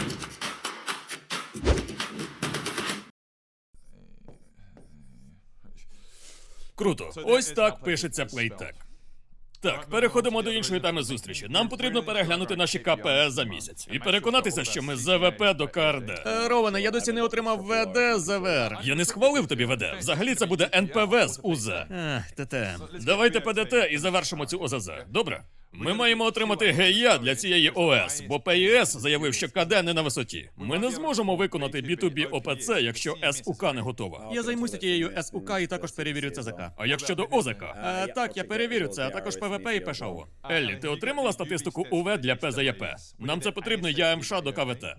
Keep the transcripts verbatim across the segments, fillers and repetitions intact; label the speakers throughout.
Speaker 1: Круто. Ось так пишеться плейтек. Так, переходимо до іншої теми зустрічі. Нам потрібно переглянути наші ка пе ес за місяць і переконатися, що ми з зет ве пе до ка ар де. Е, Роване, я досі не отримав ве де з ве ер. Я не схвалив тобі ве де. Взагалі це буде ен пе ве з у зет. Ех, те те. Давайте пе де те і завершимо цю о зет зет. Добре? Ми маємо отримати ге і а для цієї о ес, бо пе і ес заявив, що ка де не на висоті. Ми не зможемо виконати бі ту бі о пе це, якщо ес у ка не готова. Я займуся тією ес у ка і також перевірю це зет ка. А як щодо о зет ка? Е, так, я перевірю це, а також пе ве пе і пе ша о. Еллі, ти отримала статистику у ве для пе зет є пе? Нам це потрібно я ем ша до ка ве те.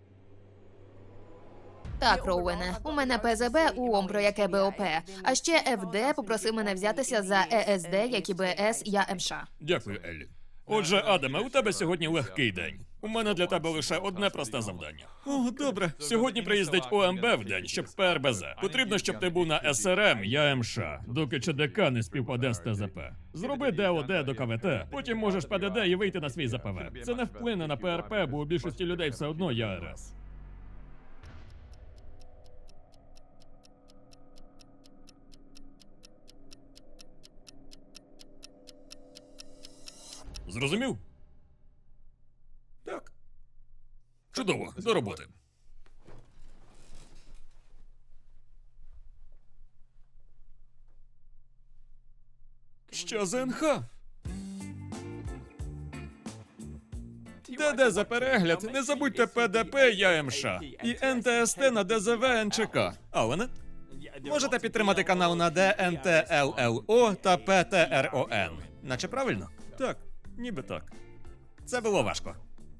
Speaker 2: Так, Роуене, у мене пе зет бе у ом, про яке бе о пе. А ще еф де попросив мене взятися за е ес де, як і бе ес я ем ша.
Speaker 1: Дякую, Еллі. Отже, Адаме, у тебе сьогодні легкий день. У мене для тебе лише одне просте завдання. О, добре. Сьогодні приїздить о ем бе в день, щоб пе ер бе зет. Потрібно, щоб ти був на ес ер ем я ем ша, доки че де ка не співпаде з те зет пе. Зроби де о де до ка ве те, потім можеш пе де де і вийти на свій зет пе ве. Це не вплине на пе ер пе, бо у більшості людей все одно я ар ес. Зрозумів? Так. Чудово, до роботи. Що за ен ха? Де-де за перегляд, не забудьте пе де пе я ем ша і ен те ес те на де зет ве ен че ка. Алане? Можете підтримати канал на де ен те ел ел о та пе те ер о ен. Наче правильно? Так, ніби так. Це було важко.